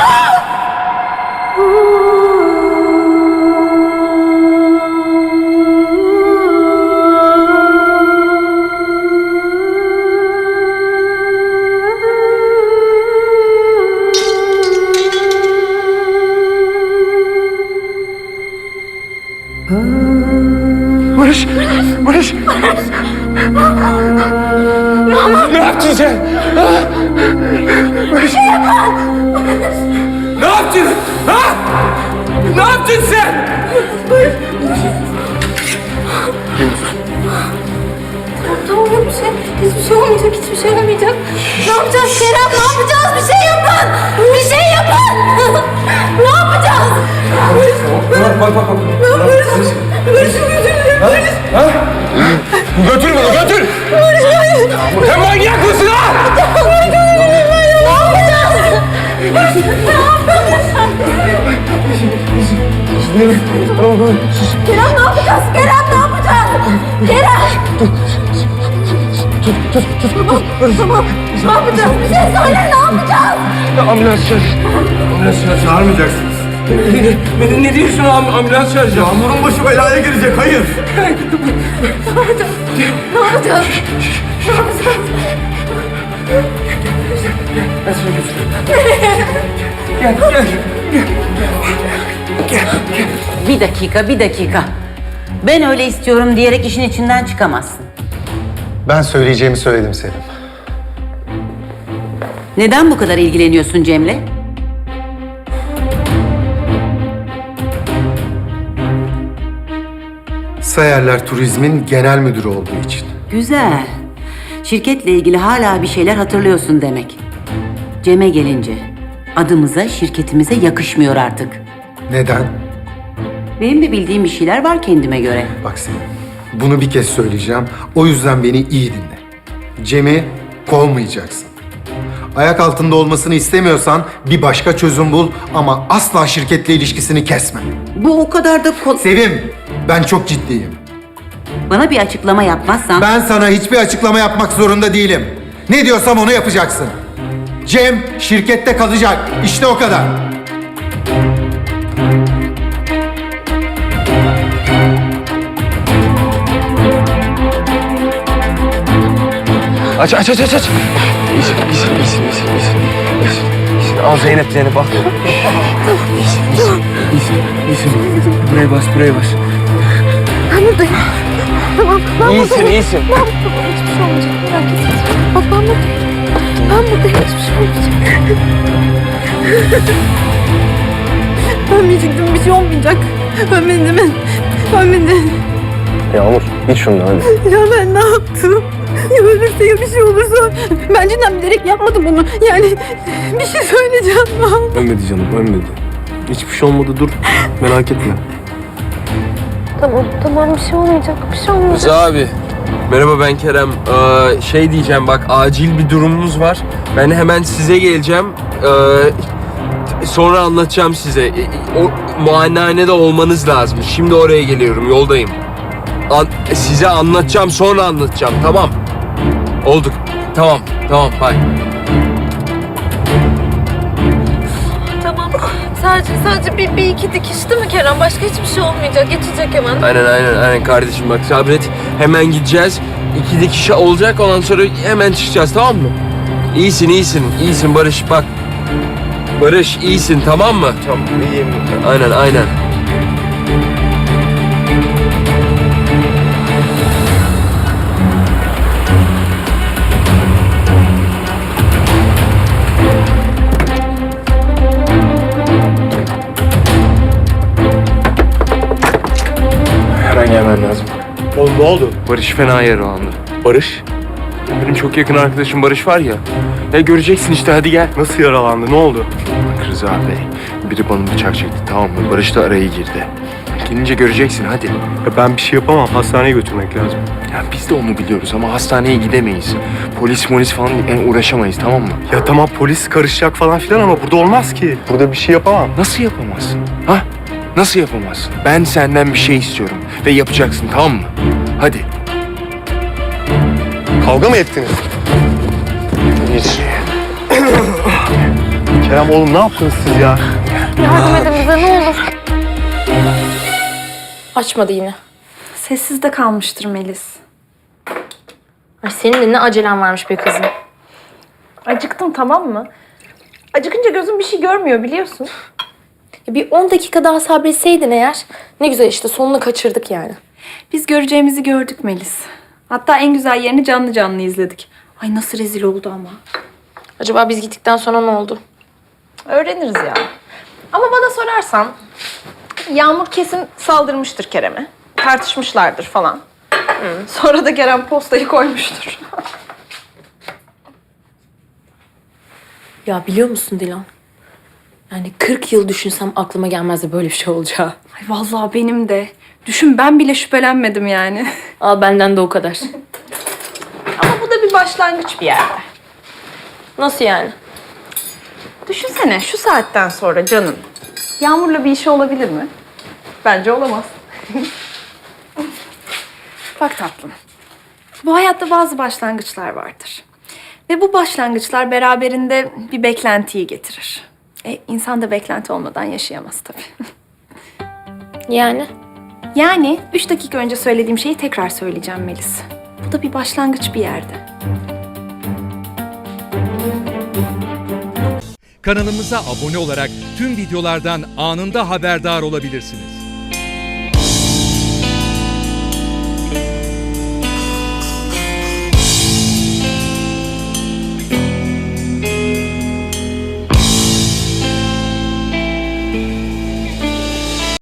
Barış! Barış! Ne yaptın sen? Barış! Ne yaptın? Ha? Ne yaptın sen? Tamam yok bir şey. Hiçbir şey olmayacak, hiçbir şey olmayacak. Ne yapacağız Kerem? Ne yapacağız? Bir şey yapın! Bir şey yapın! Ne yapacağız? Bak. Barış'ın gözünü. Götür bunu, götür! Sen manyak mısın ha? Ne yapacağız? Kerem ne yapacağız? Kerem ne yapacağız? Kerem! Tamam. Ne yapacağız? Bir şey söyle, ne yapacağız? Ambulans çağır. Ambulans çağır. Çağırmayacaksınız. Ne diyorsun ambulans çağıracağım? Yağmur'un başı belaya girecek, hayır. Ne yapacağız? Ne yapacağız? Ben seni götüreyim. Gel. Bir dakika. Ben öyle istiyorum diyerek işin içinden çıkamazsın. Ben söyleyeceğimi söyledim Selim. Neden bu kadar ilgileniyorsun Cem'le? Sayarlar Turizm'in genel müdürü olduğu için. Güzel. Şirketle ilgili hala bir şeyler hatırlıyorsun demek. Cem'e gelince adımıza, şirketimize yakışmıyor artık. Neden? Benim de bildiğim bir şeyler var kendime göre. Bak Selim, bunu bir kez söyleyeceğim. O yüzden beni iyi dinle. Cem'i kovmayacaksın. Ayak altında olmasını istemiyorsan bir başka çözüm bul ama asla şirketle ilişkisini kesme. Bu o kadar da Sevim, ben çok ciddiyim. Bana bir açıklama yapmazsan... Ben sana hiçbir açıklama yapmak zorunda değilim. Ne diyorsam onu yapacaksın. Cem şirkette kalacak. İşte o kadar. Aç. İyisin. Al Zeynep bak. İyisin. Buraya bas. Ben buradayım. Tamam, ben buradayım. İyisin. Ben buradayım. Hiçbir şey olmayacak. Merak etme. Bak ben buradayım. Ben buradayım. Hiçbir şey olmayacak. Ölmeyecektim. Bir şey olmayacak. Ölmedim. Yağmur iç şundan hadi. Ya ben ne yaptım? Ya ölürse ya bir şey olursa. Ben cidden bilerek yapmadım bunu. Yani bir şey söyleyeceğim. Ölmedi canım ölmedi. Hiçbir şey olmadı dur. Merak etme. Tamam bir şey olmayacak. Bir şey olmayacak. Rıza abi. Merhaba ben Kerem. Şey diyeceğim bak acil bir durumumuz var. Ben hemen size geleceğim. Sonra anlatacağım size. O muayenehanede olmanız lazım. Şimdi oraya geliyorum yoldayım. Size anlatacağım sonra anlatacağım tamam. Olduk. Tamam bye. Tamam. Sadece bir iki dikiş değil mi Kerem? Başka hiçbir şey olmayacak. Geçecek hemen. Aynen kardeşim bak sabret. Hemen gideceğiz. 2 dikiş olacak ondan sonra hemen çıkacağız tamam mı? İyisin Barış bak. Barış iyisin tamam mı? Tamam iyiyim. Aynen. Hemen gelmen lazım. Oğlum ne oldu? Barış fena yaralandı. Barış? Benim çok yakın arkadaşım Barış var ya. Ya göreceksin işte hadi gel. Nasıl yaralandı, ne oldu? Bak Rıza Bey, biri bana bıçak çekti tamam mı? Barış da araya girdi. Gelince göreceksin hadi. Ya ben bir şey yapamam, hastaneye götürmek lazım. Ya biz de onu biliyoruz ama hastaneye gidemeyiz. Polis falan yani uğraşamayız tamam mı? Ya tamam polis karışacak falan filan ama burada olmaz ki. Burada bir şey yapamam. Nasıl yapamazsın? Ha? Nasıl yapamazsın? Ben senden bir şey istiyorum ve yapacaksın tamam mı? Hadi. Kavga mı ettiniz? Geç. Kerem oğlum ne yaptınız siz ya? Yardım edin bize ne olur. Açmadı yine. Sessiz de kalmıştır Melis. Ay senin de ne acelen varmış be kızım. Acıktım tamam mı? Acıkınca gözüm bir şey görmüyor biliyorsun. Bir 10 dakika daha sabretseydin eğer ne güzel işte sonunu kaçırdık yani. Biz göreceğimizi gördük Melis. Hatta en güzel yerini canlı canlı izledik. Ay nasıl rezil oldu ama. Acaba biz gittikten sonra ne oldu? Öğreniriz ya. Ama bana sorarsan Yağmur kesin saldırmıştır Kerem'e. Tartışmışlardır falan. Sonra da Kerem postayı koymuştur. Ya biliyor musun Dilan? Yani 40 yıl düşünsem aklıma gelmezdi böyle bir şey olacağı. Ay vallahi benim de. Düşün ben bile şüphelenmedim yani. Al benden de o kadar. Ama bu da bir başlangıç bir yerde. Nasıl yani? Düşünsene şu saatten sonra canım. Yağmur'la bir işi olabilir mi? Bence olamaz. Bak tatlım. Bu hayatta bazı başlangıçlar vardır. Ve bu başlangıçlar beraberinde bir beklentiyi getirir. İnsan da beklenti olmadan yaşayamaz tabii. Yani? Yani 3 dakika önce söylediğim şeyi tekrar söyleyeceğim Melis. Bu da bir başlangıç bir yerde. Kanalımıza abone olarak tüm videolardan anında haberdar olabilirsiniz.